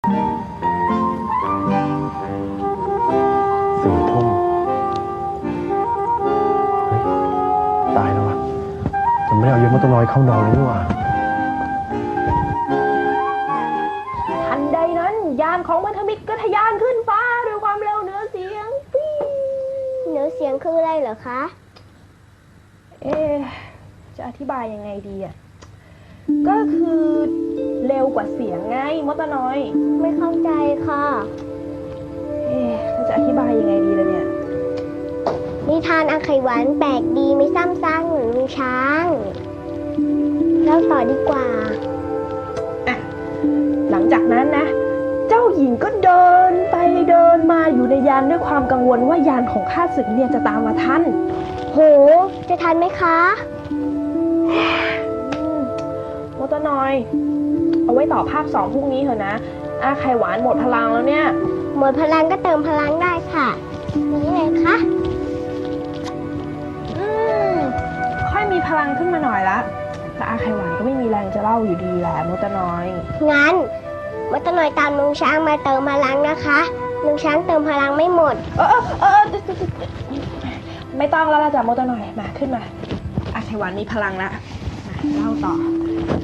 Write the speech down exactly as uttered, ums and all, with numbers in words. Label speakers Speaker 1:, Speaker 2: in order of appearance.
Speaker 1: สี่ทุ่มเฮ้ยตายแล้ววะจะไม่ได้เอายศมตน้อยเข้านอนเลยนี่หว่า
Speaker 2: ทันใดนั้นยานของมัทมิตรก็ทะยานขึ้นฟ้าด้วยความเร็วเหนือเสียงปี๊
Speaker 3: เหนือเสียงคืออะไรเหรอคะ
Speaker 2: เอ๊ะจะอธิบายยังไงดีอ่ะก็คือเร็วกว่าเสียงไงมดตะน้อย
Speaker 3: ไม่เข้าใจค่ะ
Speaker 2: เอ๊ะจะอธิบายยังไงดีล่ะเนี่ย
Speaker 3: นิทานอาไขหวานแปลกดีไม่ซ้ำซากเหมือนลุงช้างเล่าต่อดีกว่า
Speaker 2: อ่ะหลังจากนั้นนะเจ้าหญิงก็เดินไปเดินมาอยู่ในยานด้วยความกังวลว่ายานของข้าศึกเนี่ยจะตามมาทัน
Speaker 3: โหจะทันไหมคะ
Speaker 2: มดตะน้อยเอาไว้ต่อภาคสองพรุ่งนี้เถอะนะอาไข่หวานหมดพลังแล้วเนี่ย
Speaker 3: หมดพลังก็เติมพลังได้ค่ะนี่ไงคะ
Speaker 2: อืมค่อยมีพลังขึ้นมาหน่อยละแต่อาไข่หวานก็ไม่มีแรงจะเล่าอยู่ดีแหละมดตะน้อย
Speaker 3: งั้นมดตะน้อยตามลุงช้างมาเติมพลังนะคะลุงช้างเติมพลังไม่หมด
Speaker 2: เออเออเออไม่ต้องแล้วล่ะจ้ะมดตะน้อยมาขึ้นมาอาไข่หวานมีพลังละมาเล่าต่อ